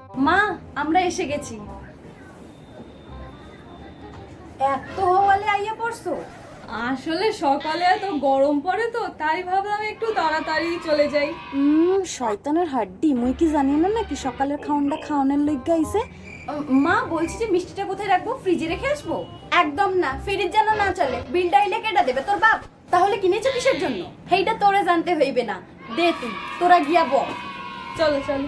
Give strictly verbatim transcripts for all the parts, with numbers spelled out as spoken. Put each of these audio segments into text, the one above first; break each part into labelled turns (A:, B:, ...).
A: মা, আমরা এসে গেছি। এত হওয়ালে আইয়া পড়ছো?
B: আসলে সকালে এত গরম পড়ে তো তাই ভাবলাম একটু তাড়াতাড়ি চলে যাই।
A: হুম, শয়তানের হাড্ডি, মুই কি জানি না নাকি সকালের খাওয়ানটা খাওয়ানোর লইগা আইছে। মা বলছি যে মিষ্টিটা কোথায় রাখবো? ফ্রিজে রেখে আসবো? একদম না, ফ্রিজ যেন না চলে। বিলটা আইলে কেটা দেবে? তোর বাপ। তাহলে কিনেছো কিসের জন্য? সেইটা তোরে জানতে হইবে না। দে তুই, তোরা গিয়া বল।
B: চলো চলো।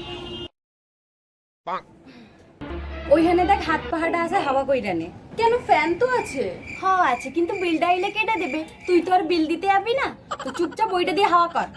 A: ওইখানে দেখ হাত পাহাড়টা আছে, হাওয়া কইরা নে। কেন, ফ্যান তো আছে। হ্যাঁ আছে, কিন্তু বিলটা আইলে কেটা দেবে? তুই তো আর বিল দিতে যাবি না, তো চুপচাপ ওইটা দিয়ে হাওয়া কর।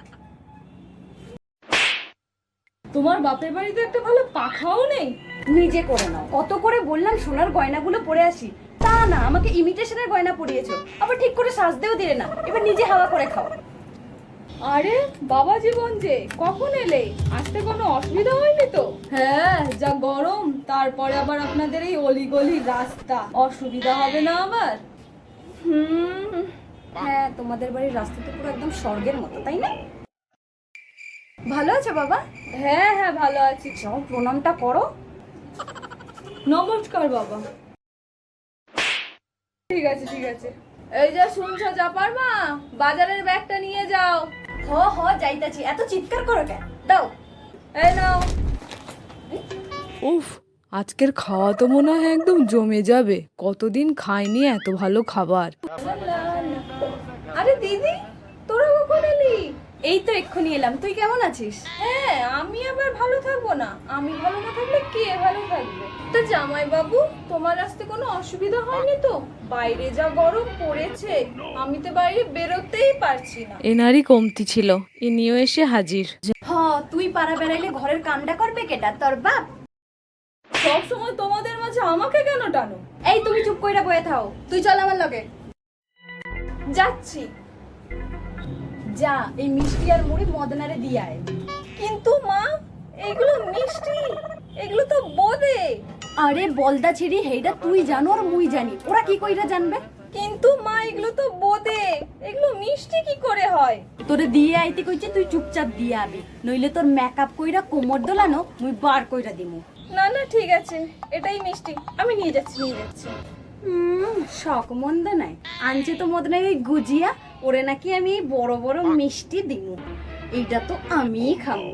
B: তোমার বাপের বাড়িতে একটা ভালো পাখাও নেই?
A: নিজে করে নাও। কত করে বললাম সোনার গয়নাগুলো পরে আসি, তা না, আমাকে ইমিটেশনের গয়না পরিয়েছো, আবার ঠিক করে সাজতেও দিলে না। এবার নিজে হাওয়া করে খাও।
B: আরে বাবা জীবন যে, কখন এলে? আসতে কোনো অসুবিধা হয়নি তো? হ্যাঁ, যা গরম, তারপরে আবার আপনাদের এই অলিগলি রাস্তা, অসুবিধা হবে না আবার?
A: হুম, হ্যাঁ, তোমাদের বাড়ির রাস্তা তো পুরো একদম স্বর্গের মতো, তাই না? ভালো আছো বাবা?
B: হ্যাঁ হ্যাঁ ভালো আছি।
A: যাও, প্রণামটা করো।
B: নমস্কার বাবা। ঠিক আছে ঠিক আছে। এই যে শুনছো চাপার মা, বাজারের ব্যাগটা নিয়ে যাও।
A: হ হ যাইতাছি, এত চিৎকার করো কেন? দাও।
B: এই নাও।
C: উফ, আজকের খাওয়া তো মনে হয় একদম জমে যাবে। কতদিন খাইনি এত ভালো খাবার।
B: আরে দিদি, তোরা কখন এলি?
A: এই তো এক্ষুনি এলাম। তুই কেমন আছিস?
B: হ্যাঁ, আমি আবার ভালো থাকবো না? আমি ভালো না থাকলে কে ভালো থাকবে? তা জামাই বাবু, তোমার আসতে কোনো অসুবিধা হয়নি তো? বাইরে যা গরম পড়েছে, আমি তো বাইরে বেরোতেই পারছি না।
C: এনারই কমতি ছিল, ইনিও এসে হাজির।
A: হ, তুই পাড়া বেড়াইলে ঘরের কামটা করবে কেটা? তোর বাপ।
B: সব সময় তোমাদের মাঝে আমাকে কেন টানো?
A: এই তুমি চুপ কইরা বয়ে থাও, তুই চল আমার লগে।
B: যাচ্ছি।
A: যা, এই মিষ্টি আর মুড়ি মদনারে দিয়ে আয়।
B: কিন্তু মা, এগুলো মিষ্টি, এগুলো তো বোঁদে।
A: আরে বলদা ছিড়ি, হেইটা তুই জানো আর মুই জানি, ওরা কি কইরা জানবে?
B: কিন্তু মা, এগুলো তো বোঁদে, এগুলো মিষ্টি কি করে হয়?
A: তোরে দিয়ে আইতে কইছে, তুই চুপচাপ দিয়ে আবি, নইলে তোর মেকআপ কইরা কোমর দোলানো মুই বার কইরা দিমু।
B: না না ঠিক আছে, এটাই মিষ্টি, আমি নিয়ে যাচ্ছি নিয়ে যাচ্ছি।
A: হুম, শখ মন্দ নাই। আনছে তো মদনাই ওই গুজিয়া, ওরে নাকি আমি এই বড় বড় মিষ্টি দিমু। এইটা তো আমিই খাবো।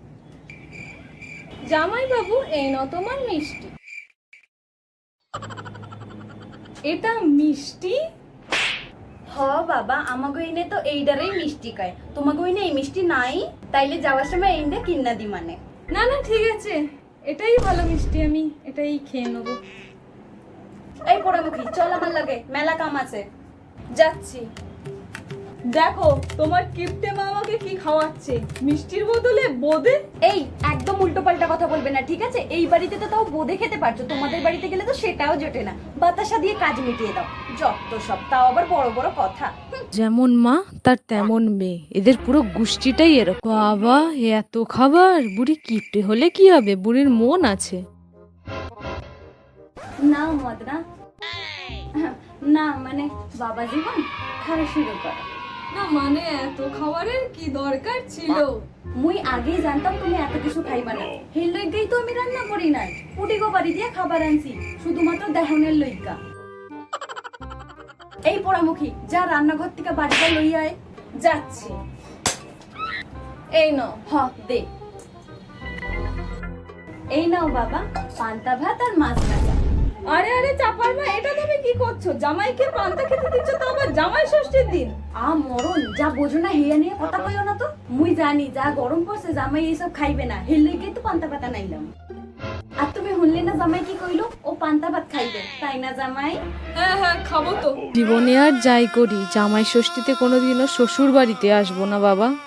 B: জামাই বাবু, এই নাও তোমার মিষ্টি। এটা মিষ্টি?
A: হ বাবা, আমাকে ইনে তো এইটারই মিষ্টি কয়, তোমাকে ইনে এই মিষ্টি নাই, তাইলে যাওয়ার সময় এইটা কিন্না দি মানে।
B: না না ঠিক আছে, এটাই ভালো মিষ্টি, আমি এটাই খেয়ে নেবো।
A: এই পোড়ামুখী, চল আমার লাগে, মেলা কাম আছে।
B: যাচ্ছি। দেখো তোমার কিপটে মা আমাকে কি খাওয়াচ্ছে, মিষ্টির বদলে বোঁদে।
A: এই একদম উল্টো পাল্টা কথা বলবে না, ঠিক আছে? এই বাড়িতে তো তাও বোঁদে খেতে পারছো, তোমাদের বাড়িতে গেলে তো সেটাও জোটে না। বাতাসা দিয়ে কাজ মিটিয়ে দাও, যত সব, তাও আবার বড় বড় কথা।
C: যেমন মা তার তেমন মেয়ে, এদের পুরো গোষ্ঠীটাই এরকম। বাবা, এত খাবার! বুড়ি কিপটে হলে কি হবে, বুড়ির মন আছে।
A: না মদনা, না মানে বাবা জীবন, খাওয়া শুরু করো।
B: না মানে, এত খাবারের কি দরকার ছিল?
A: মুই আগেই জানতাম তুমি এত কিছু খাইবা না, হের লইগাই তো আমি রান্না করি নাই। পুটি গো বাড়ি দিয়ে খাবার আনছি, শুধুমাত্র দেহনের লইগা। এই পোড়ামুখী, যা রান্নাঘর থেকে বাড়িটা লইয়া আয়।
B: যাচ্ছি। এই নাও।
A: হ দে। এই নাও বাবা, পান্তা ভাত আর মাছ ভাজা।
B: আরে আরে চাপার মা, এটা তুমি কি করছো? জামাইকে পান্তা খেতে দিচ্ছ, তো আবার জামাই ষষ্ঠীর দিন।
A: আ মরণ, যা বোঝো না হেয়া নিয়ে কথা কইও না তো। মুই জানি যা গরম পড়ছে জামাই এইসব খাইবে না, হের লইগাই তো পান্তা পাতা নাইলাম। আর তুমি শুনলে না জামাই কি কইলো? ও পান্তা ভাত খাইবে, তাই না জামাই?
B: হ্যাঁ হ্যাঁ খাবো তো।
C: জীবনে আর যাই করি, জামাই ষষ্ঠীতে কোনোদিনও শ্বশুর বাড়িতে আসবো না বাবা।